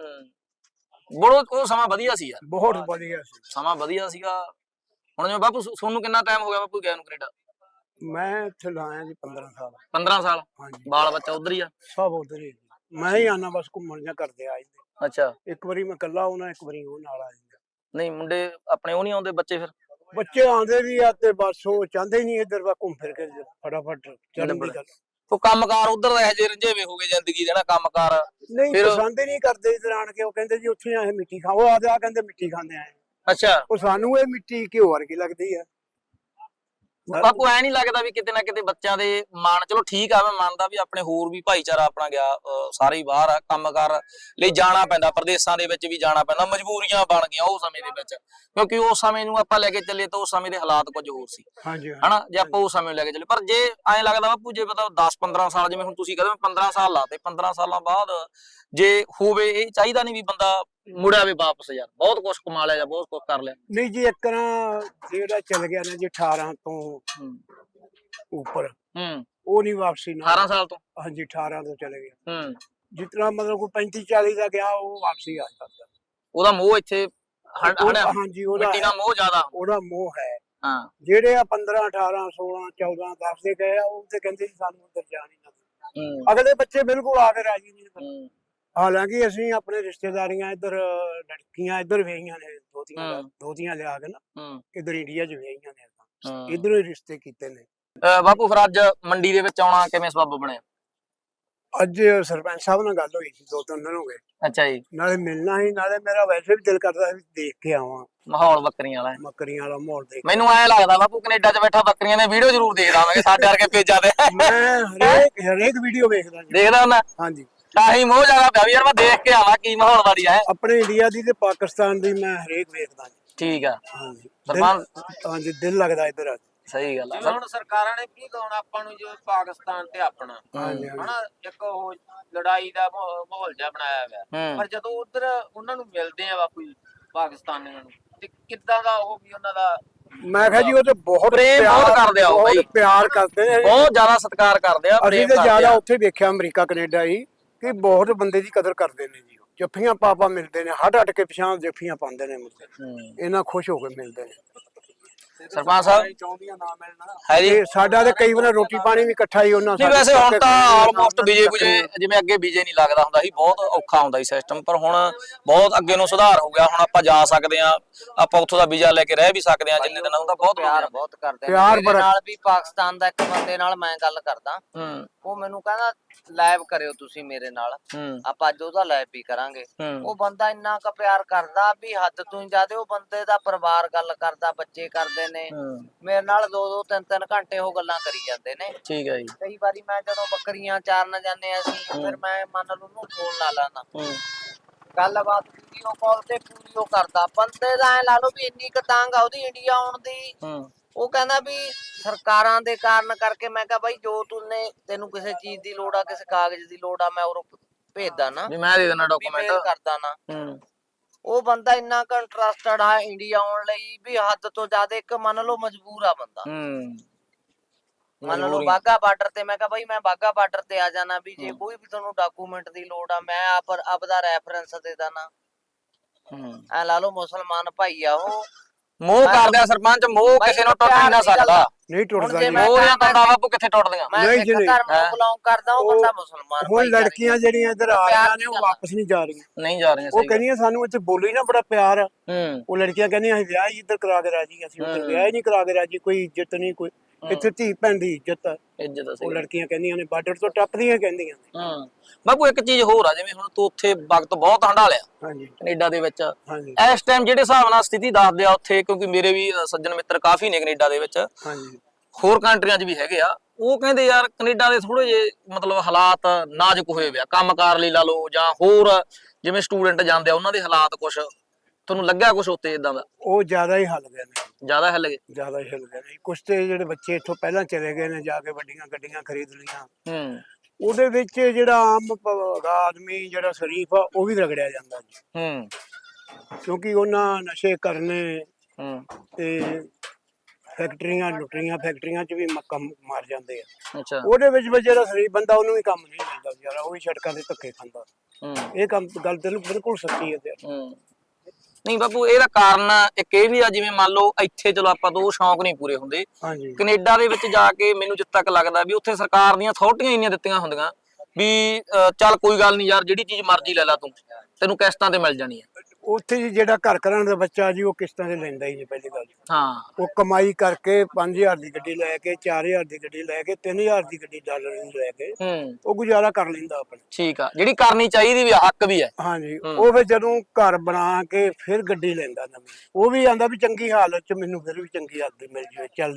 [SPEAKER 1] ਉਹ ਸਮਾਂ ਵਧੀਆ ਸੀ ਯਾਰ, ਬਹੁਤ ਵਧੀਆ ਸੀ ਸਮਾਂ, ਵਧੀਆ ਸੀਗਾ। ਹੁਣ ਜਿਵੇਂ ਬਾਪੂ ਤੁਹਾਨੂੰ ਕਿੰਨਾ ਟਾਈਮ ਹੋ ਗਿਆ ਬਾਪੂ ਗਿਆ ਨੂੰ ਕੈਨੇਡਾ? ਮੈਂ ਇੱਥੇ ਲਾਇਆ ਜੀ 15 ਸਾਲ। 15 ਸਾਲ? ਹਾਂਜੀ। ਬਾਲ ਬੱਚਾ ਉਧਰ ਹੀ ਆ? ਸਭ ਉਧਰ ਹੀ। ਮੈਂ ਹੀ ਆਣਾ ਬਸ ਘੁੰਮਣ ਜਾਂ ਕਰਦੇ ਆ ਜਾਂਦੇ। ਅੱਛਾ ਇੱਕ ਵਾਰੀ ਮੈਂ ਇਕੱਲਾ ਆਉਣਾ, ਇੱਕ ਵਾਰੀ ਉਹ ਨਾਲ ਆ ਜਾਂਦਾ। ਨਹੀਂ ਮੁੰਡੇ ਆਪਣੇ ਉਹ ਨਹੀਂ ਆਉਂਦੇ ਬੱਚੇ? ਫਿਰ ਬੱਚੇ ਆਉਂਦੇ ਵੀ ਆ ਤੇ ਬਸ ਉਹ ਚਾਹੁੰਦੇ ਨਹੀਂ ਇੱਧਰ ਵਾ ਘੁੰਮ ਫਿਰ ਕੇ ਫਟਾਫਟ ਚੜਨ ਦੀ ਗੱਲ। ਉਹ ਕੰਮਕਾਰ ਉਧਰ ਦਾ ਇਹੋ ਜਿਹੇ ਰੰਝੇਵੇਂ ਹੋ ਗਏ ਜ਼ਿੰਦਗੀ ਦੇ ਨਾ, ਕੰਮਕਾਰ ਨਹੀਂ ਪਸੰਦ ਹੀ ਨਹੀਂ ਕਰਦੇ ਇੱਧਰ ਆਣ ਕੇ। ਉਹ ਕਹਿੰਦੇ ਜੀ ਉੱਥੇ ਆਏ ਮਿੱਟੀ ਖਾਓ, ਆ ਕਹਿੰਦੇ ਮਿੱਟੀ ਖਾਂਦੇ ਆਏ। ਅੱਛਾ ਉਹ ਸਾਨੂੰ ਇਹ ਮਿੱਟੀ ਘਿਓ ਵਰਗੀ ਲੱਗਦੀ ਆ। ਬਾਪੂ ਐ ਨਹੀਂ ਲੱਗਦਾ ਵੀ ਕਿਤੇ ਨਾ ਕਿਤੇ ਬੱਚਿਆਂ ਦੇ ਮਨ, ਚਲੋ ਠੀਕ ਆ ਮੈਂ ਮੰਨਦਾ ਵੀ ਆਪਣੇ ਹੋਰ ਵੀ ਭਾਈਚਾਰਾ ਆਪਣਾ ਗਿਆ ਸਾਰੇ ਹੀ ਬਾਹਰ ਆ, ਕੰਮਕਾਰ ਲਈ ਜਾਣਾ ਪੈਂਦਾ, ਪ੍ਰਦੇਸ਼ਾਂ ਦੇ ਵਿੱਚ ਵੀ ਜਾਣਾ ਪੈਂਦਾ, ਮਜਬੂਰੀਆਂ ਬਣ ਗਈਆਂ ਉਹ ਸਮੇਂ ਦੇ ਵਿੱਚ, ਕਿਉਂਕਿ ਉਸ ਸਮੇਂ ਨੂੰ ਆਪਾਂ ਲੈ ਕੇ ਚੱਲੇ ਤਾਂ ਉਸ ਸਮੇਂ ਦੇ ਹਾਲਾਤ ਕੁਝ ਹੋਰ ਸੀ ਹਨਾ, ਜੇ ਆਪਾਂ ਉਸ ਸਮੇਂ ਨੂੰ ਲੈ ਕੇ ਚੱਲੇ। ਪਰ ਜੇ ਐਂ ਲੱਗਦਾ ਬਾਪੂ ਜੇ ਮਤਲਬ 10-15 ਸਾਲ, ਜਿਵੇਂ ਹੁਣ ਤੁਸੀਂ ਕਹਿੰਦੇ 15 ਸਾਲ ਲਾਤੇ, 15 ਸਾਲਾਂ ਬਾਅਦ ਜੇ ਹੋਵੇ, ਇਹ ਚਾਹੀਦਾ ਨਹੀਂ ਵੀ ਬੰਦਾ ਮੁੜਿਆ ਵੀ ਵਾਪਸ, ਯਾਰ ਬਹੁਤ ਕੁਝ ਕਮਾ ਲਿਆ ਜਾਂ ਬਹੁਤ ਕੁਝ ਕਰ ਲਿਆ।
[SPEAKER 2] ਨਹੀਂ ਜੀ, ਇੱਕ ਤਰ੍ਹਾਂ ਜਿਹੜਾ ਚੱਲ ਗਿਆ ਨਾ ਜੀ 18 ਤੋਂ ਉੱਪਰ, ਉਹ ਨਹੀਂ ਵਾਪਸੀ ਨਾ।
[SPEAKER 1] 18 ਸਾਲ ਤੋਂ?
[SPEAKER 2] ਹਾਂਜੀ, 18 ਤੋਂ ਚਲੇ ਗਿਆ। ਜਿਸ ਤਰ੍ਹਾਂ ਮਤਲਬ ਕੋਈ 35-40 ਦਾ ਗਿਆ, ਉਹ ਵਾਪਸੀ ਆ ਸਕਦਾ।
[SPEAKER 1] ਉਹਦਾ ਮੋਹ ਇੱਥੇ
[SPEAKER 2] ਹਾਂਜੀ,
[SPEAKER 1] ਮਿੱਟੀ ਦਾ ਮੋਹ ਜ਼ਿਆਦਾ,
[SPEAKER 2] ਉਹਦਾ ਮੋਹ ਹੈ।
[SPEAKER 1] ਹਾਂ,
[SPEAKER 2] ਜਿਹੜੇ ਆ 15, 18, 16, 14 10 ਦੇ ਗਏ ਆ, ਉਹ ਤੇ ਕਹਿੰਦੇ ਸਾਨੂੰ ਉੱਧਰ ਜਾਣ ਹੀ ਨਾ। ਅਗਲੇ ਬੱਚੇ ਬਿਲਕੁਲ ਆ ਕੇ ਰਾਜੀ ਨਹੀਂ। ਹਾਲਾਂਕਿ ਅਸੀਂ ਆਪਣੇ ਰਿਸ਼ਤੇਦਾਰੀਆਂ ਇੱਧਰ ਲੜਕੀਆਂ ਇੱਧਰ ਵਿਆਹੀਆਂ ਨੇ, ਦੋਤੀਆਂ ਲਿਆ ਕੇ ਨਾ ਇੱਧਰ ਇੰਡੀਆ 'ਚ ਵਿਆਹੀਆਂ ਨੇ, ਇੱਧਰੋਂ ਹੀ ਰਿਸ਼ਤੇ ਕੀਤੇ ਨੇ।
[SPEAKER 1] ਬਾਪੂ ਫਿਰ ਅੱਜ ਮੰਡੀ ਦੇ ਵਿੱਚ ਆਉਣਾ ਕਿਵੇਂ ਸਬੱਬ ਬਣਿਆ?
[SPEAKER 2] ਅੱਜ ਸਰਪੰਚ ਸਾਹਿਬ ਨਾਲ ਗੱਲ ਹੋਈ ਸੀ, 2-3 ਦਿਨ ਹੋ ਗਏ।
[SPEAKER 1] ਅੱਛਾ ਜੀ।
[SPEAKER 2] ਨਾਲੇ ਮਿਲਣਾ ਸੀ, ਨਾਲੇ ਮੇਰਾ ਵੈਸੇ ਵੀ ਦਿਲ ਕਰਦਾ ਸੀ ਦੇਖ ਕੇ ਆਵਾਂ
[SPEAKER 1] ਮਾਹੌਲ ਬੱਕਰੀਆਂ ਵਾਲਾ,
[SPEAKER 2] ਬੱਕਰੀਆਂ ਵਾਲਾ ਮਾਹੌਲ ਦੇਖ।
[SPEAKER 1] ਮੈਨੂੰ ਐ ਲੱਗਦਾ ਬਾਪੂ ਕੈਨੇਡਾ 'ਚ ਬੈਠਾ ਬੱਕਰੀਆਂ ਦੇ ਵੀਡੀਓ ਜ਼ਰੂਰ ਦੇਖਦਾ ਮੈਂ, ਸਾਡੇ ਵਰਗੇ ਪੇਜਾਂ ਤੇ
[SPEAKER 2] ਮੈਂ ਹਰੇਕ ਵੀਡੀਓ ਵੇਖਦਾ
[SPEAKER 1] ਹੁੰਦਾ।
[SPEAKER 2] ਹਾਂਜੀ,
[SPEAKER 1] ਤਾਂ ਹੀ ਮੋਹ ਜ਼ਿਆਦਾ ਪਿਆ ਵੀ ਯਾਰ ਮੈਂ ਦੇਖ ਕੇ ਆਵਾਂ ਕੀ ਮਾਹੌਲ ਵਾਲੀ ਹੈ।
[SPEAKER 2] ਆਪਣੇ ਇੰਡੀਆ ਦੀ ਤੇ ਪਾਕਿਸਤਾਨ ਦੀ ਮੈਂ ਹਰੇਕ ਵੇਖਦਾ।
[SPEAKER 1] ਠੀਕ ਆ।
[SPEAKER 2] ਹਾਂਜੀ,
[SPEAKER 1] ਹਾਂਜੀ,
[SPEAKER 2] ਦਿਲ ਲੱਗਦਾ ਇੱਧਰ ਆ।
[SPEAKER 1] ਸਹੀ ਗੱਲ ਆ।
[SPEAKER 3] ਹੁਣ ਸਰਕਾਰਾਂ ਨੇ ਕੀ ਕਹਣਾ ਆਪਾਂ ਨੂੰ, ਜੋ ਪਾਕਿਸਤਾਨ ਤੇ ਆਪਣਾ ਹਨਾ ਇੱਕ ਉਹ ਲੜਾਈ ਦਾ ਮਾਹੌਲ ਜਿਹਾ ਬਣਾਇਆ ਹੋਇਆ, ਪਰ ਜਦੋਂ ਉਧਰ ਉਹਨਾਂ ਨੂੰ ਮਿਲਦੇ ਆ ਬਾਪੂ ਜੀ ਪਾਕਿਸਤਾਨੀਆਂ ਨੂੰ, ਤੇ ਕਿੱਦਾਂ ਦਾ ਉਹ ਵੀ ਉਹਨਾਂ ਦਾ,
[SPEAKER 2] ਮੈਂ ਕਿਹਾ ਜੀ ਉਹ ਤੇ ਬਹੁਤ
[SPEAKER 1] ਬਹੁਤ ਕਰਦੇ ਆ,
[SPEAKER 2] ਬਹੁਤ ਪਿਆਰ ਕਰਦੇ ਨੇ,
[SPEAKER 1] ਬਹੁਤ ਜ਼ਿਆਦਾ ਸਤਿਕਾਰ ਕਰਦੇ ਆ।
[SPEAKER 2] ਅਸੀਂ ਤੇ ਜ਼ਿਆਦਾ ਉੱਥੇ ਵੇਖਿਆ ਅਮਰੀਕਾ ਕੈਨੇਡਾ ਹੀ, ਕਿ ਬਹੁਤ ਬੰਦੇ ਦੀ ਕਦਰ ਕਰਦੇ ਨੇ ਜੀ। ਜੱਫੀਆਂ ਪਾਪਾ ਮਿਲਦੇ ਨੇ, ਹੱਟ ਕੇ ਪਿਛਾਂ ਜੱਫੀਆਂ ਪਾਉਂਦੇ ਨੇ, ਇਹਨਾਂ ਖੁਸ਼ ਹੋ ਕੇ ਮਿਲਦੇ ਨੇ।
[SPEAKER 1] ਸਰਪੰਚ ਸਾਹਿਬ
[SPEAKER 2] ਚਾਹੁੰਦੀਆਂ ਨਾ ਮਿਲਣਾ ਹੈ ਜੀ, ਸਾਡਾ ਤੇ ਕਈ ਵਾਰ ਰੋਟੀ ਪਾਣੀ ਵੀ ਇਕੱਠਾ ਹੀ ਉਹਨਾਂ।
[SPEAKER 1] ਨਹੀਂ ਵੈਸੇ ਹੁਣ ਤਾਂ ਆਲਮੋਸਟ ਬੀਜੇ ਜਿਵੇਂ ਅੱਗੇ ਬੀਜੇ ਨਹੀਂ ਲੱਗਦਾ ਹੁੰਦਾ ਸੀ, ਬਹੁਤ ਔਖਾ ਹੁੰਦਾ ਸੀ ਸਿਸਟਮ, ਪਰ ਹੁਣ ਬਹੁਤ ਅੱਗੇ ਨੂੰ ਸੁਧਾਰ ਹੋ ਗਿਆ। ਹੁਣ ਆਪਾਂ ਜਾ ਸਕਦੇ ਆ, ਆਪਾਂ ਉੱਥੋਂ ਦਾ ਵੀਜ਼ਾ ਲੈ ਕੇ ਰਹਿ ਵੀ ਸਕਦੇ ਆ ਜਿੰਨੇ ਦਿਨ, ਉਹਦਾ ਬਹੁਤ
[SPEAKER 4] ਪਿਆਰ ਬਹੁਤ ਕਰਦੇ ਨੇ।
[SPEAKER 2] ਪਿਆਰ
[SPEAKER 4] ਮੇਰੇ ਨਾਲ ਵੀ ਪਾਕਿਸਤਾਨ ਦਾ ਇੱਕ ਬੰਦੇ ਨਾਲ ਮੈਂ ਗੱਲ ਕਰਦਾ, ਉਹ ਮੈਨੂੰ ਕਹਿੰਦਾ ਲਾਈਵ ਕਰਿਓ ਤੁਸੀਂ ਮੇਰੇ ਨਾਲ, ਆਪਾਂ ਅੱਜ ਉਹਦਾ ਲਾਈਵ ਵੀ ਕਰਾਂਗੇ। ਉਹ ਬੰਦਾ ਇੰਨਾ ਕੁ ਪਿਆਰ ਕਰਦਾ ਵੀ ਹੱਦ ਤੋਂ ਹੀ ਜ਼ਿਆਦਾ। ਉਹ ਬੰਦੇ ਦਾ ਪਰਿਵਾਰ ਗੱਲ ਕਰਦਾ, ਬੱਚੇ ਕਰਦੇ ਨੇ ਮੇਰੇ ਨਾਲ 2-2, 3-3 ਘੰਟੇ ਉਹ ਗੱਲਾਂ ਕਰੀ ਜਾਂਦੇ ਨੇ।
[SPEAKER 1] ਠੀਕ ਹੈ ਜੀ।
[SPEAKER 4] ਕਈ ਵਾਰੀ ਮੈਂ ਜਦੋਂ ਬੱਕਰੀਆਂ ਚਾਰਨ ਜਾਂਦੇ ਅਸੀਂ, ਫਿਰ ਮੈਂ ਮੰਨ ਲਓ ਉਹਨੂੰ ਫੋਨ ਲਾ ਲਾਣਾ, ਗੱਲਬਾਤ ਵੀਡੀਓ ਕਾਲ ਤੇ ਪੂਰੀ ਉਹ ਕਰਦਾ। ਬੰਦੇ ਦਾ ਐ ਲਾ ਲਓ ਵੀ ਇੰਨੀ ਕੁ ਤੰਗ ਆ ਉਹਦੀ ਇੰਡੀਆ ਆਉਣ ਦੀ। ਉਹ ਕਹਿੰਦਾ ਵੀ ਸਰਕਾਰਾਂ ਦੇ ਕਾਰਨ ਕਰਕੇ। ਮੈਂ ਕਿਹਾ ਬਾਈ ਜੋ ਤੈਨੂੰ ਕਿਸੇ ਚੀਜ਼ ਦੀ ਲੋੜ ਆ, ਕਿਸੇ ਕਾਗਜ਼ ਦੀ ਲੋੜ ਆ, ਮੈਂ ਉਹ ਭੇਜਦਾ ਨਾ,
[SPEAKER 1] ਮੈਂ ਦੇ ਦੇਣਾ ਡਾਕੂਮੈਂਟ
[SPEAKER 4] ਕਰਦਾ ਨਾ। ਉਹ ਬੰਦਾ ਇੰਨਾ ਕੁ ਇੰਟਰਸਟਡ ਆ ਇੰਡੀਆ ਆਉਣ ਲਈ ਵੀ ਹੱਦ ਤੋਂ ਜ਼ਿਆਦਾ। ਇੱਕ ਮੰਨ ਲਓ ਮਜਬੂਰ ਆ ਬੰਦਾ, ਮੰਨ ਲਓ ਬਾਘਾ ਬਾਰਡਰ ਤੇ। ਮੈਂ ਕਿਹਾ ਬਾਈ ਮੈਂ ਬਾਘਾ ਬਾਰਡਰ ਤੇ ਆ ਜਾਣਾ, ਵੀ ਜੇ ਕੋਈ ਵੀ ਤੁਹਾਨੂੰ ਡਾਕੂਮੈਂਟ ਦੀ ਲੋੜ ਆ ਮੈਂ ਆਪਦਾ ਰੈਫਰੈਂਸ ਦੇ ਦੇਣਾ। ਐ ਲਾ ਲਓ ਮੁਸਲਮਾਨ ਭਾਈ ਆ ਉਹ,
[SPEAKER 1] ਮੋਹ ਕਰਦੇ ਆ ਸਰਪੰਚ, ਮੋਹ ਕਿਸੇ ਨੂੰ ਟੁੱਟ ਨਹੀਂ ਸਕਦਾ।
[SPEAKER 2] ਨਹੀਂ ਟੁੱਟਦਾ ਜੀ,
[SPEAKER 1] ਮੋਹ ਦੀਆਂ ਤੰਦਾਂ ਬਾਪੂ ਕਿੱਥੇ ਟੁੱਟਦੀਆਂ।
[SPEAKER 4] ਮੈਂ ਇੱਕ ਧਰਮ ਨੂੰ ਬਿਲੋਂਗ ਕਰਦਾ, ਉਹ ਬੰਦਾ ਮੁਸਲਮਾਨ।
[SPEAKER 2] ਹੁਣ ਲੜਕੀਆਂ ਜਿਹੜੀਆਂ ਇੱਧਰ ਆ ਰਹੀਆਂ ਨੇ, ਉਹ ਵਾਪਸ ਨਹੀਂ ਜਾ ਰਹੀਆਂ,
[SPEAKER 1] ਨਹੀਂ ਜਾ ਰਹੀਆਂ।
[SPEAKER 2] ਉਹ ਕਹਿੰਦੀਆਂ ਸਾਨੂੰ ਇੱਥੇ ਬੋਲੀ ਨਾ ਬੜਾ ਪਿਆਰ ਆ। ਉਹ ਲੜਕੀਆਂ ਕਹਿੰਦੀਆਂ ਅਸੀਂ ਵਿਆਹ ਹੀ ਇੱਧਰ ਕਰਾ ਕੇ ਰਾਜੀ, ਅਸੀਂ ਉੱਧਰ ਵਿਆਹ ਹੀ ਨਹੀਂ ਕਰਾ ਕੇ ਰਾਜੀ। ਕੋਈ ਇੱਜ਼ਤ ਨਹੀਂ, ਕੋਈ ਇੱਥੇ ਧੀ ਭੈਣ ਦੀ ਇੱਜ਼ਤ ਆ। ਉਹ ਲੜਕੀਆਂ ਕਹਿੰਦੀਆਂ ਨੇ ਬਾਰਡਰ ਤੋਂ ਟੱਪਦੀਆਂ ਕਹਿੰਦੀਆਂ।
[SPEAKER 1] ਬਾਪੂ ਇੱਕ ਚੀਜ਼ ਹੋਰ ਆ, ਜਿਵੇਂ ਹੁਣ ਤੂੰ ਉੱਥੇ ਵਕਤ ਬਹੁਤ ਹੰਢਾਲਿਆ ਕੈਨੇਡਾ ਦੇ ਵਿੱਚ, ਇਸ ਟਾਈਮ ਜਿਹੜੇ ਹਿਸਾਬ ਨਾਲ ਸਥਿਤੀ ਦੱਸਦੇ ਆ ਉੱਥੇ, ਕਿਉਂਕਿ ਮੇਰੇ ਵੀ ਸੱਜਣ ਮਿੱਤਰ ਕਾਫੀ ਨੇ ਕੈਨੇਡਾ ਦੇ ਵਿੱਚ, ਹੋਰ ਕੰਟਰੀਆਂ 'ਚ ਵੀ ਹੈਗੇ ਆ, ਉਹ ਕਹਿੰਦੇ ਯਾਰ ਕੈਨੇਡਾ ਦੇ ਥੋੜੇ ਜਿਹੇ ਮਤਲਬ ਹਾਲਾਤ ਨਾਜ਼ੁਕ ਹੋਏ ਵੇ ਆ, ਕੰਮਕਾਰ ਲਈ ਲਾ ਲਓ ਜਾਂ ਹੋਰ ਜਿਵੇਂ ਸਟੂਡੈਂਟ ਜਾਂਦੇ ਆ ਉਹਨਾਂ ਦੇ ਹਾਲਾਤ ਕੁਛ ਤੁਹਾਨੂੰ ਲੱਗਿਆ ਕੁਛ ਉੱਤੇ ਇਦਾਂ ਦਾ?
[SPEAKER 2] ਉਹ ਜ਼ਿਆਦਾ ਹੀ ਹਿੱਲ ਗਏ ਨੇ,
[SPEAKER 1] ਜ਼ਿਆਦਾ ਹਿੱਲ ਗਏ,
[SPEAKER 2] ਜ਼ਿਆਦਾ ਹੀ ਹਿੱਲ ਗਏ ਨੇ। ਕੁਛ ਤੇ ਜਿਹੜੇ ਬੱਚੇ ਇੱਥੋਂ ਪਹਿਲਾਂ ਚਲੇ ਗਏ ਨੇ, ਜਾ ਕੇ ਵੱਡੀਆਂ ਗੱਡੀਆਂ ਖਰੀਦ ਲਈਆਂ। ਉਹਦੇ ਵਿੱਚ ਜਿਹੜਾ ਆਮ ਆਦਮੀ ਜਿਹੜਾ ਸ਼ਰੀਫ ਆ, ਉਹ ਵੀ ਰਗੜਿਆ ਜਾਂਦਾ ਜੀ, ਕਿਉਂਕਿ ਉਹਨਾਂ ਨਸ਼ੇ ਕਰਨੇ ਤੇ ਫੈਕਟਰੀਆਂ ਲੁੱਟਰੀਆਂ, ਫੈਕਟਰੀਆਂ 'ਚ ਵੀ ਕੰਮ ਮਾਰ ਜਾਂਦੇ ਆ। ਉਹਦੇ ਵਿੱਚ ਜਿਹੜਾ ਸ਼ਰੀਫ ਬੰਦਾ, ਉਹਨੂੰ ਵੀ ਕੰਮ ਨਹੀਂ ਮਿਲਦਾ ਵਿਚਾਰਾ, ਉਹ ਵੀ ਸੜਕਾਂ ਤੇ ਧੱਕੇ ਖਾਂਦਾ। ਇਹ ਕੰਮ ਗੱਲ ਤੈਨੂੰ ਬਿਲਕੁਲ ਸੱਚੀ ਹੈ।
[SPEAKER 1] ਨਹੀਂ ਬਾਪੂ, ਇਹਦਾ ਕਾਰਨ ਇੱਕ ਇਹ ਵੀ ਆ, ਜਿਵੇਂ ਮੰਨ ਲਓ ਇੱਥੇ ਚਲੋ ਆਪਾਂ ਤੋਂ ਉਹ ਸ਼ੌਂਕ ਨਹੀਂ ਪੂਰੇ ਹੁੰਦੇ, ਕੈਨੇਡਾ ਦੇ ਵਿੱਚ ਜਾ ਕੇ ਮੈਨੂੰ ਜਿੱਥੇ ਤੱਕ ਲੱਗਦਾ ਵੀ ਉੱਥੇ ਸਰਕਾਰ ਦੀਆਂ ਅਥਾਰਟੀਆਂ ਇੰਨੀਆਂ ਦਿੱਤੀਆਂ ਹੁੰਦੀਆਂ ਵੀ ਚੱਲ ਕੋਈ ਗੱਲ ਨਹੀਂ ਯਾਰ, ਜਿਹੜੀ ਚੀਜ਼ ਮਰਜ਼ੀ ਲੈ ਲਾ ਤੂੰ, ਤੈਨੂੰ ਕਿਸ਼ਤਾਂ ਤੇ ਮਿਲ ਜਾਣੀ ਹੈ।
[SPEAKER 2] ਉੱਥੇ ਜੀ ਜਿਹੜਾ ਘਰ ਘਰਾਂ ਦਾ ਬੱਚਾ ਜੀ, ਉਹ ਕਿਸ਼ਤਾਂ ਤੇ ਲੈਂਦਾ ਹੀ ਨਹੀਂ ਪਹਿਲੀ ਗੱਲ। ਉਹ ਕਮਾਈ ਕਰਕੇ 5000 ਦੀ ਗੱਡੀ ਲੈ ਕੇ, 4000 ਦੀ ਗੱਡੀ ਲੈ ਕੇ, 3000 ਦੀ ਗੱਡੀ ਡਾਲਰ ਦੀ ਲੈ ਕੇ ਉਹ ਗੁਜ਼ਾਰਾ ਕਰ ਲੈਂਦਾ ਆਪਣਾ।
[SPEAKER 1] ਠੀਕ ਆ, ਜਿਹੜੀ ਕਰਨੀ ਚਾਹੀਦੀ ਵੀ, ਹੱਕ ਵੀ ਹੈ।
[SPEAKER 2] ਹਾਂਜੀ, ਉਹ ਫਿਰ ਜਦੋਂ ਘਰ ਬਣਾ ਕੇ ਫਿਰ ਗੱਡੀ ਲੈਂਦਾ ਨਵੀਂ, ਉਹ ਵੀ ਆਂਦਾ ਵੀ ਚੰਗੀ ਹਾਲਤ 'ਚ ਮੈਨੂੰ ਫਿਰ ਵੀ ਚੰਗੀ ਹਾਲਤ ਮਿਲ ਜਾਵੇ ਚੱਲਦੀ।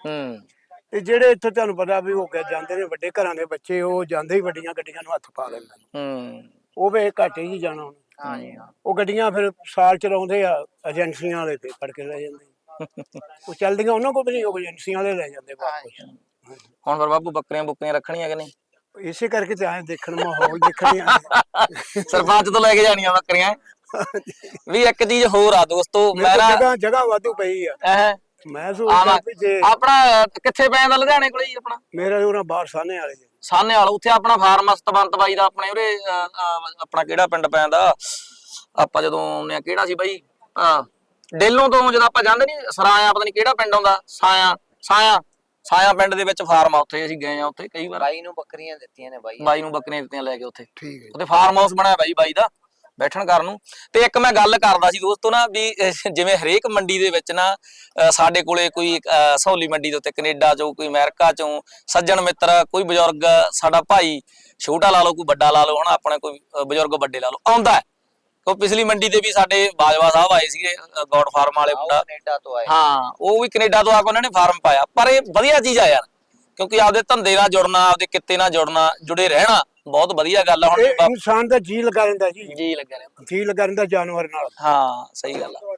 [SPEAKER 2] ਤੇ ਜਿਹੜੇ ਇੱਥੇ ਤੁਹਾਨੂੰ ਪਤਾ ਵੀ ਹੋ ਕੇ ਜਾਂਦੇ ਨੇ ਵੱਡੇ ਘਰਾਂ ਦੇ ਬੱਚੇ, ਉਹ ਜਾਂਦੇ ਹੀ ਵੱਡੀਆਂ ਗੱਡੀਆਂ ਨੂੰ ਹੱਥ ਪਾ ਲੈਂਦੇ ਨੇ। ਉਹ ਵੇ ਘੱਟ ਹੀ ਜਾਣਾ ਹੁਣ। ਉਹ ਗੱਡੀਆਂ ਫਿਰ ਸਾਲ ਚਲਾਉਂਦੇ ਆ, ਏਜੰਸੀਆਂ ਵਾਲੇ ਤੇ ਫੜ ਕੇ ਲੈ ਜਾਂਦੇ। ਉਹ ਚੱਲਦੀਆਂ ਉਹਨਾਂ ਕੋਲ ਵੀ ਨਹੀਂ, ਉਹ ਏਜੰਸੀਆਂ ਵਾਲੇ ਲੈ ਜਾਂਦੇ ਵਾਪਸ।
[SPEAKER 1] ਹੁਣ ਫਿਰ ਬਾਪੂ ਬੱਕਰੀਆਂ ਬੁੱਕਰੀਆਂ ਰੱਖਣੀਆਂ ਕਿ ਨਹੀਂ?
[SPEAKER 2] ਇਸੇ ਕਰਕੇ ਤੇ ਆਏ ਦੇਖਣ, ਮਾਹੌਲ ਦੇਖਣ ਆਏ।
[SPEAKER 1] ਸਰਪੰਚ ਤੋਂ ਲੈ ਕੇ ਜਾਣੀਆਂ ਬੱਕਰੀਆਂ। ਵੀ ਇੱਕ ਚੀਜ਼ ਹੋਰ ਆ ਦੋਸਤੋ,
[SPEAKER 2] ਮੇਰਾ ਜਗ੍ਹਾ ਵਾਧੂ ਪਈ ਆ। ਮੈਂ ਸੋਚਦਾ ਵੀ ਜੇ
[SPEAKER 1] ਆਪਣਾ ਕਿੱਥੇ ਪੈ ਜਾਂਦਾ, ਲੁਧਿਆਣੇ ਕੋਲੇ ਹੀ ਆਪਣਾ?
[SPEAKER 2] ਮੇਰਾ ਉਹਨਾਂ ਬਾਹਰ ਸਾਹਨੇ ਵਾਲੇ
[SPEAKER 1] ਸਾਹਨੇ ਵਾਲਾ, ਉੱਥੇ ਆਪਣਾ ਫਾਰਮ ਸਤਵੰਤ ਬਾਈ ਦਾ, ਆਪਣੇ ਉਰੇ ਆਪਣਾ ਕਿਹੜਾ ਪਿੰਡ ਪੈਂਦਾ ਆਪਾਂ ਜਦੋਂ ਆਉਂਦੇ ਆ, ਕਿਹੜਾ ਸੀ ਬਾਈ, ਡੇਲੋਂ ਤੋਂ ਜਦੋਂ ਆਪਾਂ ਜਾਂਦੇ ਨੀ ਸਰਾਇਆ, ਪਤਾ ਨੀ ਕਿਹੜਾ ਪਿੰਡ ਆਉਂਦਾ, ਸਾਇਆ ਪਿੰਡ ਦੇ ਵਿੱਚ ਫਾਰਮ ਆ, ਉੱਥੇ ਅਸੀਂ ਗਏ ਆ। ਉੱਥੇ ਕਈ ਵਾਰ
[SPEAKER 4] ਬਾਈ ਨੂੰ ਬੱਕਰੀਆਂ ਦਿੱਤੀਆਂ ਨੇ,
[SPEAKER 1] ਬਾਈ ਨੂੰ ਬੱਕਰੀਆਂ ਦਿੱਤੀਆਂ ਲੈ ਕੇ ਉੱਥੇ।
[SPEAKER 2] ਠੀਕ ਹੈ।
[SPEAKER 1] ਉੱਥੇ ਫਾਰਮ ਹਾਊਸ ਬਣਾਇਆ ਬਾਈ ਦਾ ਬੈਠਣ ਕਰਨ ਨੂੰ। ਤੇ ਇੱਕ ਮੈਂ ਗੱਲ ਕਰਦਾ ਸੀ ਦੋਸਤੋ ਨਾ, ਵੀ ਜਿਵੇਂ ਹਰੇਕ ਮੰਡੀ ਦੇ ਵਿੱਚ ਨਾ ਸਾਡੇ ਕੋਲੇ ਕੋਈ ਸਹੌਲੀ ਮੰਡੀ ਦੇ ਉੱਤੇ ਕੈਨੇਡਾ ਚੋਂ, ਕੋਈ ਅਮਰੀਕਾ ਚੋਂ ਸੱਜਣ ਮਿੱਤਰ, ਕੋਈ ਬਜ਼ੁਰਗ ਸਾਡਾ ਭਾਈ, ਛੋਟਾ ਲਾ ਲਓ ਕੋਈ ਵੱਡਾ ਲਾ ਲਓ, ਹਨਾ, ਆਪਣੇ ਕੋਈ ਬਜ਼ੁਰਗ ਵੱਡੇ ਲਾ ਲਓ, ਆਉਂਦਾ। ਉਹ ਪਿਛਲੀ ਮੰਡੀ ਤੇ ਵੀ ਸਾਡੇ ਬਾਜਵਾ ਸਾਹਿਬ ਆਏ ਸੀਗੇ, ਗੌਡ ਫਾਰਮ ਵਾਲੇ ਮੁੰਡਾ,
[SPEAKER 4] ਕੈਨੇਡਾ ਤੋਂ ਆਏ।
[SPEAKER 1] ਹਾਂ, ਉਹ ਵੀ ਕੈਨੇਡਾ ਤੋਂ ਆ ਕੇ ਉਹਨਾਂ ਨੇ ਫਾਰਮ ਪਾਇਆ। ਪਰ ਇਹ ਵਧੀਆ ਚੀਜ਼ ਆ ਯਾਰ, ਕਿਉਂਕਿ ਆਪਦੇ ਧੰਦੇ ਨਾਲ ਜੁੜਨਾ, ਆਪਦੇ ਕਿੱਤੇ ਨਾਲ ਜੁੜਨਾ, ਜੁੜੇ ਰਹਿਣਾ ਬਹੁਤ ਵਧੀਆ ਗੱਲ ਆ। ਹੁਣ
[SPEAKER 2] ਇਨਸਾਨ ਦਾ ਜੀ ਲੱਗਾ ਰਹਿੰਦਾ ਜੀ,
[SPEAKER 1] ਜੀ ਲੱਗਾ ਰਹਿੰਦਾ,
[SPEAKER 2] ਜੀ ਲੱਗਾ ਰਹਿੰਦਾ ਜਾਨਵਰ ਨਾਲ।
[SPEAKER 1] ਹਾਂ ਸਹੀ ਗੱਲ ਆ।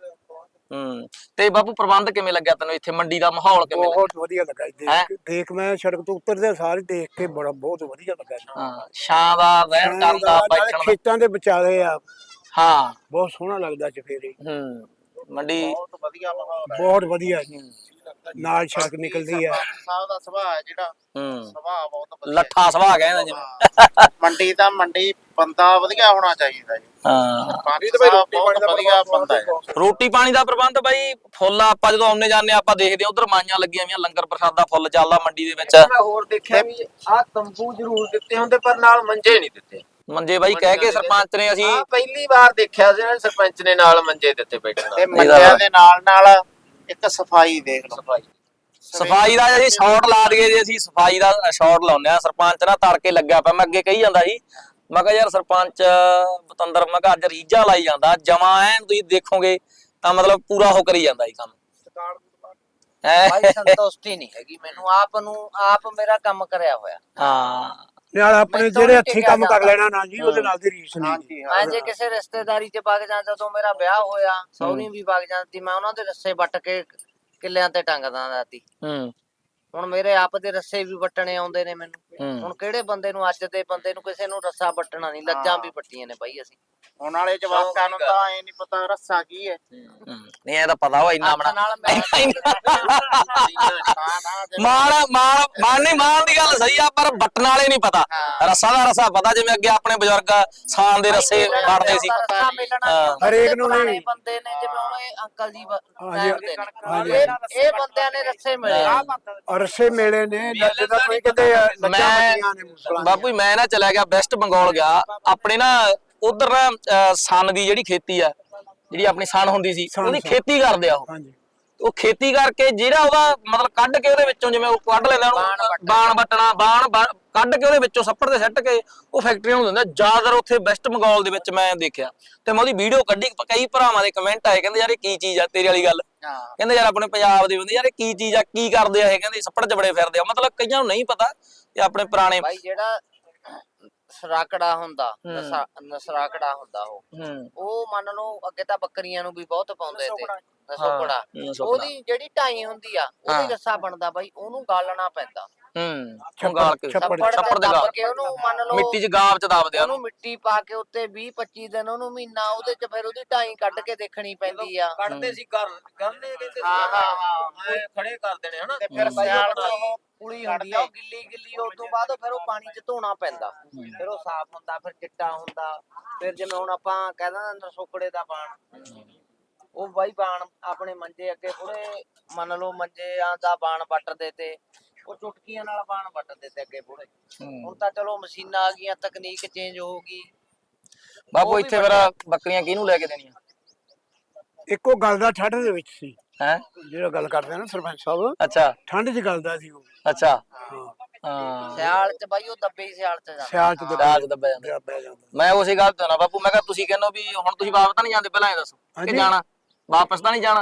[SPEAKER 1] ਤੇ ਬਾਪੂ ਪ੍ਰਬੰਧ ਕਿਵੇਂ ਲੱਗਿਆ ਤੈਨੂੰ ਇੱਥੇ, ਮੰਡੀ ਦਾ ਮਾਹੌਲ ਕਿਵੇਂ ਲੱਗਿਆ?
[SPEAKER 2] ਬਹੁਤ ਵਧੀਆ ਲੱਗਾ ਦੇਖ ਮੈਂ ਸੜਕ ਤੋਂ ਉਤਰਦੇ ਸਾਰੇ ਦੇਖ ਕੇ ਬਹੁਤ ਵਧੀਆ ਲੱਗਾ।
[SPEAKER 1] ਹਾਂ, ਛਾਂ ਦਾ, ਰਹਿਣ ਕਰਨ ਦਾ, ਬੈਠਣ ਦਾ,
[SPEAKER 2] ਖੇਤਾਂ ਦੇ ਵਿਚਾਲੇ ਆ।
[SPEAKER 1] ਹਾਂ,
[SPEAKER 2] ਬਹੁਤ ਸੋਹਣਾ ਲੱਗਦਾ ਚਫੇਰੇ।
[SPEAKER 1] ਮੰਡੀ
[SPEAKER 3] ਬਹੁਤ ਵਧੀਆ ਮਾਹੌਲ,
[SPEAKER 2] ਬਹੁਤ ਵਧੀਆ ਨਾਲ ਸੜਕ ਨਿਕਲਦੀ ਆ।
[SPEAKER 3] ਸਾਹਿਬ ਦਾ ਸੁਭਾਅ ਹੈ ਜਿਹੜਾ, ਸੁਭਾਅ ਬਹੁਤ ਵਧੀਆ,
[SPEAKER 1] ਲੱਠਾ ਸੁਭਾਅ ਕਹਿੰਦਾ ਜਿਵੇਂ।
[SPEAKER 3] ਮੰਡੀ ਤਾਂ ਮੰਡੀ ਬੰਦਾ ਵਧੀਆ ਹੋਣਾ ਚਾਹੀਦਾ ਜੀ।
[SPEAKER 1] ਹਾਂ,
[SPEAKER 3] ਬਹੁਤ ਵਧੀਆ ਬੰਦਾ ਹੈ।
[SPEAKER 1] ਰੋਟੀ ਪਾਣੀ ਦਾ ਪ੍ਰਬੰਧ ਬਾਈ ਫੁੱਲ ਆ। ਆਪਾਂ ਜਦੋਂ ਆਉਂਦੇ ਜਾਂਦੇ ਆਪਾਂ ਦੇਖਦੇ ਆ ਉਧਰ ਮਾਈਆਂ ਲੱਗੀਆਂ ਹੋਈਆਂ, ਲੰਗਰ ਪ੍ਰਸ਼ਾਦਾ ਫੁੱਲ ਚੱਲਦਾ ਮੰਡੀ ਦੇ ਵਿੱਚ।
[SPEAKER 3] ਮੈਂ ਹੋਰ ਦੇਖਿਆ ਵੀ ਆਹ ਤੰਬੂ ਜ਼ਰੂਰ ਦਿੱਤੇ ਹੁੰਦੇ, ਪਰ ਨਾਲ ਮੰਜੇ ਨਹੀਂ ਦਿੱਤੇ।
[SPEAKER 1] ਮੰਜੇ ਬਾਈ ਕਹਿ ਕੇ ਸਰਪੰਚ ਨੇ, ਅਸੀਂ
[SPEAKER 3] ਪਹਿਲੀ ਵਾਰ ਦੇਖਿਆ ਸੀ ਨਾ, ਸਰਪੰਚ ਨੇ ਨਾਲ ਮੰਜੇ ਦਿੱਤੇ ਬੈਠਣ। ਤੇ ਮੰਜਿਆਂ ਦੇ ਨਾਲ ਇੱਕ ਸਫਾਈ ਦੇਖ ਲਓ,
[SPEAKER 1] ਸਫਾਈ ਦਾ ਅਸੀਂ ਸ਼ਾਟ ਲਾ ਦਈਏ ਜੀ, ਅਸੀਂ ਸਫਾਈ ਦਾ ਸ਼ਾਟ ਲਾਉਂਦੇ ਆ। ਸਰਪੰਚ ਨਾ ਤੜਕੇ ਲੱਗਿਆ ਪਿਆ, ਮੈਂ ਅੱਗੇ ਕਹੀ ਜਾਂਦਾ ਸੀ, ਮੈਂ ਕਿਹਾ ਯਾਰ ਸਰਪੰਚ ਬਤੰਦਰ, ਮੈਂ ਕਿਹਾ ਅੱਜ ਰੀਝਾਂ ਲਾਈ ਜਾਂਦਾ ਜਮਾ ਐਨ, ਤੁਸੀਂ ਦੇਖੋਗੇ ਤਾਂ ਮਤਲਬ ਪੂਰਾ ਹੋ ਕਰੀ ਜਾਂਦਾ ਇਹ ਕੰਮ।
[SPEAKER 4] ਬਾਈ ਸੰਤੁਸ਼ਟੀ ਨਹੀਂ ਹੈਗੀ ਮੈਨੂੰ, ਆਪ ਮੇਰਾ ਕੰਮ ਕਰਿਆ ਹੋਇਆ।
[SPEAKER 1] ਹਾਂ,
[SPEAKER 2] ਨਾਲ ਆਪਣੇ ਜਿਹੜੇ ਹੱਥੀਂ ਕੰਮ ਕਰ ਲੈਣਾ ਨਾ ਜੀ, ਉਹਦੇ ਨਾਲ ਦੀ ਰੀਸ ਨਹੀਂ।
[SPEAKER 4] ਮੈਂ ਜੇ ਕਿਸੇ ਰਿਸ਼ਤੇਦਾਰੀ 'ਚ ਵਗ ਜਾਂਦਾ, ਜਦੋਂ ਮੇਰਾ ਵਿਆਹ ਹੋਇਆ, ਸਹੁਰੀ ਵੀ ਵਗ ਜਾਂਦੀ, ਮੈਂ ਉਹਨਾਂ ਦੇ ਰੱਸੇ ਵੱਟ ਕੇ ਕਿੱਲਿਆਂ ਤੇ ਟੰਗਦਾ ਜਾਂਦੀ। ਹੁਣ ਮੇਰੇ ਆਪ ਦੇ ਰੱਸੇ ਵੀ ਵੱਟਣੇ ਆਉਂਦੇ ਨੇ ਮੈਨੂੰ। ਹੁਣ ਕਿਹੜੇ ਬੰਦੇ ਨੂੰ, ਅੱਜ ਦੇ ਬੰਦੇ ਨੂੰ ਕਿਸੇ ਨੂੰ ਰੱਸਾ ਵੱਟਣਾ ਨਹੀਂ, ਲੱਜਾਂ ਵੀ ਵੱਟੀਆਂ ਨੇ ਬਾਈ ਅਸੀਂ।
[SPEAKER 3] ਹੁਣ ਵਾਲੇ ਜਵਾਕਾਂ ਨੂੰ ਤਾਂ ਐ ਨਹੀਂ ਪਤਾ ਰੱਸਾ ਕੀ ਹੈ।
[SPEAKER 1] ਨਹੀਂ ਇਹ ਤਾਂ ਪਤਾ ਵਾ ਇੰਨਾ ਬਣਾ
[SPEAKER 4] ਨਾਲ
[SPEAKER 1] ਮਾਣ ਦੀ ਗੱਲ ਸਹੀ ਆ, ਪਰ ਵੱਟਣ ਵਾਲੇ ਨਹੀਂ ਪਤਾ। ਰੱਸਾ ਦਾ ਰੱਸਾ ਪਤਾ, ਜਿਵੇਂ ਅੱਗੇ ਆਪਣੇ ਬਜ਼ੁਰਗ ਸਾਨ ਦੇ ਰੱਸੇ ਵੜਦੇ ਸੀ।
[SPEAKER 2] ਹਰੇਕ ਨੂੰ ਨਹੀਂ
[SPEAKER 4] ਬੰਦੇ ਨੇ, ਜਿਵੇਂ ਹੁਣ ਇਹ ਅੰਕਲ ਜੀ ਇਹ ਬੰਦਿਆਂ ਨੇ ਰੱਸੇ ਮਿਲੇ,
[SPEAKER 2] ਰੱਸੇ ਮਿਲੇ ਨੇ। ਜਦੋਂ ਕੋਈ ਕਹਿੰਦੇ
[SPEAKER 1] ਬਾਪੂ ਮੈਂ ਨਾ ਚਲਾ ਗਿਆ ਵੈਸਟ ਬੰਗਾਲ ਗਿਆ, ਆਪਣੇ ਨਾ ਉਧਰ ਨਾ ਸਨ ਦੀ ਜਿਹੜੀ ਖੇਤੀ ਆ, ਜਿਹੜੀ ਆਪਣੀ ਸਨ ਹੁੰਦੀ ਸੀ, ਉਹਦੀ ਖੇਤੀ ਕਰਦੇ ਆ ਉਹ ਖੇਤੀ ਕਰਕੇ ਜਿਹੜਾ ਉਹਦਾ ਮਤਲਬ ਕੱਢ ਕੇ ਉਹਦੇ ਵਿੱਚੋਂ, ਜਿਵੇਂ ਉਹ ਕੱਢ ਲੈਂਦਾ ਉਹਨੂੰ ਬਾਣ ਵੱਟਣਾ, ਕੱਢ ਕੇ ਉਹਦੇ ਵਿੱਚੋਂ ਸੱਪੜ ਤੇ ਸੱਟ ਕੇ ਉਹ ਫੈਕਟਰੀਆਂ ਨੂੰ ਦਿੰਦਾ। ਜ਼ਿਆਦਾਤਰ ਉੱਥੇ ਵੈਸਟ ਬੰਗਾਲ ਦੇ ਵਿੱਚ ਮੈਂ ਦੇਖਿਆ, ਤੇ ਮੈਂ ਉਹਦੀ ਵੀਡੀਓ ਕੱਢੀ। ਕਈ ਭਰਾਵਾਂ ਦੇ ਕਮੈਂਟ ਆਏ, ਕਹਿੰਦੇ ਯਾਰ ਇਹ ਕੀ ਚੀਜ਼ ਆ, ਤੇਰੀ ਵਾਲੀ ਗੱਲ। ਕਹਿੰਦੇ ਯਾਰ ਆਪਣੇ ਪੰਜਾਬ ਦੇ ਬੰਦੇ ਯਾਰ ਇਹ ਕੀ ਚੀਜ਼ ਆ, ਕੀ ਕਰਦੇ ਆ ਇਹ, ਕਹਿੰਦੇ ਸੱਪੜ ਚ ਬੜੇ ਫਿਰਦੇ ਆ। ਮਤਲਬ ਕਈਆਂ ਨੂੰ ਨਹੀਂ ਪਤਾ ਇਹ ਆਪਣੇ ਪੁਰਾਣੇ
[SPEAKER 4] ਬਾਈ ਜਿਹੜਾ ਸਰਾਕੜਾ ਹੁੰਦਾ, ਨਸਰਾਕੜਾ ਹੁੰਦਾ, ਉਹ ਮੰਨ ਲਓ ਅੱਗੇ ਤਾਂ ਬੱਕਰੀਆਂ ਨੂੰ ਵੀ ਬਹੁਤ ਪਾਉਂਦੇ ਤੇ ਨਸੋਕੜਾ, ਉਹਦੀ ਜਿਹੜੀ ਢਾਈ ਹੁੰਦੀ ਆ, ਉਹਦੀ ਰੱਸਾ ਬਣਦਾ ਬਾਈ, ਉਹਨੂੰ ਗਾਲਣਾ ਪੈਂਦਾ।
[SPEAKER 1] ਛੱਪੜ ਦੇ ਗਾਲ
[SPEAKER 4] ਕੇ ਉਹਨੂੰ ਮੰਨ ਲਓ
[SPEAKER 1] ਮਿੱਟੀ ਚ ਗਾਬ ਚ ਦੱਬਦੇ ਆ,
[SPEAKER 4] ਉਹਨੂੰ ਮਿੱਟੀ ਪਾ ਕੇ ਉੱਤੇ 20-25 ਦਿਨ, ਉਹਨੂੰ ਮਹੀਨਾ, ਉਹਦੇ ਚ ਫਿਰ ਉਹਦੀ ਢਾਈ ਕੱਢ ਕੇ ਦੇਖਣੀ ਪੈਂਦੀ ਆ।
[SPEAKER 3] ਕੱਢਦੇ ਸੀ ਗੰਨੇ ਕਹਿੰਦੇ, ਹਾਂ ਖੜੇ ਕਰ ਦੇਣੇ ਹਨਾ। ਤੇ ਫਿਰ ਸਿਆਲ
[SPEAKER 4] ਪੁਲੀ ਹੁੰਦੀ ਆ, ਉਹ ਗਿੱਲੀ ਉਸ ਤੋਂ ਬਾਅਦ ਫਿਰ ਉਹ ਪਾਣੀ ਚ ਧੋਣਾ ਪੈਂਦਾ, ਫਿਰ ਉਹ ਸਾਫ਼ ਹੁੰਦਾ, ਫਿਰ ਚਿੱਟਾ ਹੁੰਦਾ। ਫਿਰ ਜਿਵੇਂ ਹੁਣ ਆਪਾਂ ਕਹਿ ਦਿੰਦੇ ਨਸੋਕੜੇ ਦਾ ਬਾਣ, ਉਹ ਬਾਈ ਬਾਣ ਆਪਣੇ ਮੰਜੇ ਅੱਗੇ ਪੂਰੇ ਮੰਨ ਲਓ ਮੰਜਿਆਂ ਦਾ ਬਾਣ ਵੱਟਦੇ ਤੇ ਉਹ ਚੁਟਕੀਆਂ ਨਾਲ ਬਾਣ ਵੱਟਦੇ ਤੇ ਅੱਗੇ ਪੂਰੇ। ਹੁਣ ਤਾਂ ਚਲੋ ਮਸ਼ੀਨਾਂ ਆ ਗਈਆਂ, ਤਕਨੀਕ ਚੇਂਜ ਹੋ ਗਈ।
[SPEAKER 1] ਬਾਪੂ ਇੱਥੇ ਫਿਰ ਬੱਕਰੀਆਂ ਕਿਹਨੂੰ ਲੈ ਕੇ ਦੇਣੀਆਂ?
[SPEAKER 2] ਇੱਕੋ ਗੱਲ ਦਾ ਠੰਡ ਦੇ ਵਿੱਚ ਸੀ
[SPEAKER 1] ਹੈ,
[SPEAKER 2] ਜਿਹੜਾ ਗੱਲ ਕਰਦੇ ਆ ਨਾ ਸਰਪੰਚ ਸਾਹਿਬ।
[SPEAKER 1] ਅੱਛਾ,
[SPEAKER 2] ਠੰਡ 'ਚ ਗੱਲ ਦਾ ਸੀ ਉਹ।
[SPEAKER 1] ਅੱਛਾ,
[SPEAKER 4] ਹਾਂ ਸਿਆਲ 'ਚ ਬਾਈ ਉਹ ਦੱਬੇ ਹੀ ਸਿਆਲ 'ਚ ਜਾਂਦਾ,
[SPEAKER 2] ਸਿਆਲ 'ਚ
[SPEAKER 1] ਦੱਬਿਆ ਜਾਂਦਾ। ਮੈਂ ਉਸੇ ਗੱਲ ਤੇ ਨਾ ਬਾਪੂ, ਮੈਂ ਕਿਹਾ ਤੁਸੀਂ ਕਹਿੰਦੇ ਵੀ ਹੁਣ ਤੁਸੀਂ ਵਾਪਸ ਤਾਂ ਨਹੀਂ ਜਾਂਦੇ, ਪਹਿਲਾਂ ਇਹ ਦੱਸੋ ਕਿ ਜਾਣਾ, ਵਾਪਸ ਤਾਂ ਨਹੀਂ ਜਾਣਾ?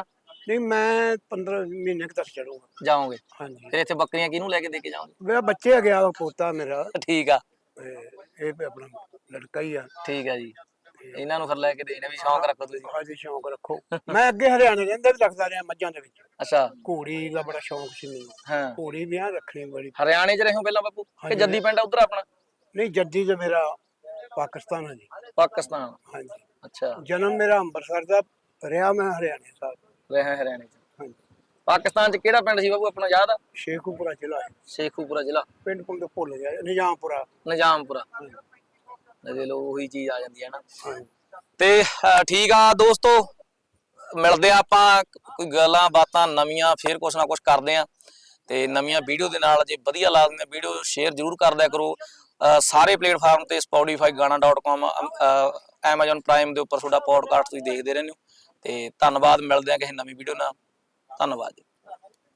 [SPEAKER 2] ਨਹੀਂ ਮੈਂ 15 ਮਹੀਨੇ ਤੱਕ ਚੜੂਗਾ
[SPEAKER 1] ਜਾਓਗੇ?
[SPEAKER 2] ਹਾਂਜੀ।
[SPEAKER 1] ਫਿਰ ਇੱਥੇ ਬੱਕਰੀਆਂ ਕਿਹਨੂੰ ਲੈ ਕੇ ਦੇ ਕੇ ਜਾਓਗੇ?
[SPEAKER 2] ਮੇਰਾ ਬੱਚੇ ਆ ਗਿਆ ਪੋਤਾ ਮੇਰਾ,
[SPEAKER 1] ਠੀਕ ਆ,
[SPEAKER 2] ਇਹ ਵੀ ਆਪਣਾ ਲੜਕਾ ਹੀ ਆ।
[SPEAKER 1] ਠੀਕ ਆ ਜੀ। ਇਹਨਾਂ ਨੂੰ ਫਿਰ ਲੈ ਕੇ ਦੇਣੇ ਵੀ ਸ਼ੌਂਕ ਰੱਖੋ ਤੁਸੀਂ?
[SPEAKER 2] ਹਾਂਜੀ ਸ਼ੌਂਕ ਰੱਖੋ। ਮੈਂ ਅੱਗੇ ਹਰਿਆਣੇ ਰਹਿੰਦਾ ਵੀ ਲੱਗਦਾ ਰਿਹਾ ਮੱਝਾਂ ਦੇ ਵਿੱਚ।
[SPEAKER 1] ਅੱਛਾ।
[SPEAKER 2] ਘੋੜੀ ਦਾ ਬੜਾ ਸ਼ੌਂਕ ਸੀ ਮੈਨੂੰ।
[SPEAKER 1] ਹਾਂ,
[SPEAKER 2] ਘੋੜੀ ਵੀ ਆ ਰੱਖਣੀ ਬੜੀ।
[SPEAKER 1] ਹਰਿਆਣੇ 'ਚ ਰਹੇ ਹੋ ਪਹਿਲਾਂ ਬਾਪੂ ਕਿ ਜੱਦੀ ਪਿੰਡ ਆ ਉਧਰ ਆਪਣਾ?
[SPEAKER 2] ਨਹੀਂ ਜੱਦੀ ਤੇ ਮੇਰਾ ਪਾਕਿਸਤਾਨ ਹੈ ਜੀ।
[SPEAKER 1] ਪਾਕਿਸਤਾਨ।
[SPEAKER 2] ਹਾਂਜੀ।
[SPEAKER 1] ਅੱਛਾ,
[SPEAKER 2] ਜਨਮ ਮੇਰਾ ਅੰਮ੍ਰਿਤਸਰ ਦਾ, ਰਿਹਾ ਮੈਂ ਹਰਿਆਣੇ ਸਾਹਿਬ।
[SPEAKER 1] ਰਹੇ ਹਰਿਆਣੇ 'ਚ।
[SPEAKER 2] ਹਾਂਜੀ।
[SPEAKER 1] ਪਾਕਿਸਤਾਨ 'ਚ ਕਿਹੜਾ ਪਿੰਡ ਸੀ ਬਾਪੂ ਆਪਣਾ ਯਾਦ ਆ?
[SPEAKER 2] ਸ਼ੇਖੂਪੁਰਾ ਜ਼ਿਲ੍ਹਾ ਹੈ।
[SPEAKER 1] ਸ਼ੇਖੂਪੁਰਾ ਜ਼ਿਲ੍ਹਾ।
[SPEAKER 2] ਪਿੰਡ ਪੁੰਡ ਭੁੱਲ ਗਿਆ, ਨਿਜ਼ਾਮਪੁਰਾ।
[SPEAKER 1] ਨਿਜ਼ਾਮਪੁਰਾ। ਦੇਖ ਲਓ ਉਹੀ ਚੀਜ਼ ਆ ਜਾਂਦੀ ਹੈ ਨਾ।
[SPEAKER 2] ਹਾਂਜੀ।
[SPEAKER 1] ਤੇ ਠੀਕ ਆ ਦੋਸਤੋ, ਮਿਲਦੇ ਆ ਆਪਾਂ ਕੋਈ ਗੱਲਾਂ ਬਾਤਾਂ ਨਵੀਆਂ, ਫੇਰ ਕੁਛ ਨਾ ਕੁਛ ਕਰਦੇ ਆ ਤੇ ਨਵੀਆਂ ਵੀਡੀਓ ਦੇ ਨਾਲ। ਜੇ ਵਧੀਆ ਲੱਗਦੀਆਂ ਵੀਡੀਓ ਸ਼ੇਅਰ ਜ਼ਰੂਰ ਕਰ ਦਿਆ ਕਰੋ। ਸਾਰੇ ਪਲੇਟਫਾਰਮ ਤੇ Spotify, Gaana.com, Amazon Prime ਦੇ ਉੱਪਰ ਤੁਹਾਡਾ ਪੋਡਕਾਸਟ ਤੁਸੀਂ ਦੇਖਦੇ ਰਹਿੰਦੇ ਹੋ। ਤੇ ਧੰਨਵਾਦ, ਮਿਲਦੇ ਆ ਕਿਸੇ ਨਵੀਂ ਵੀਡੀਓ ਨਾਲ। ਧੰਨਵਾਦ ਜੀ।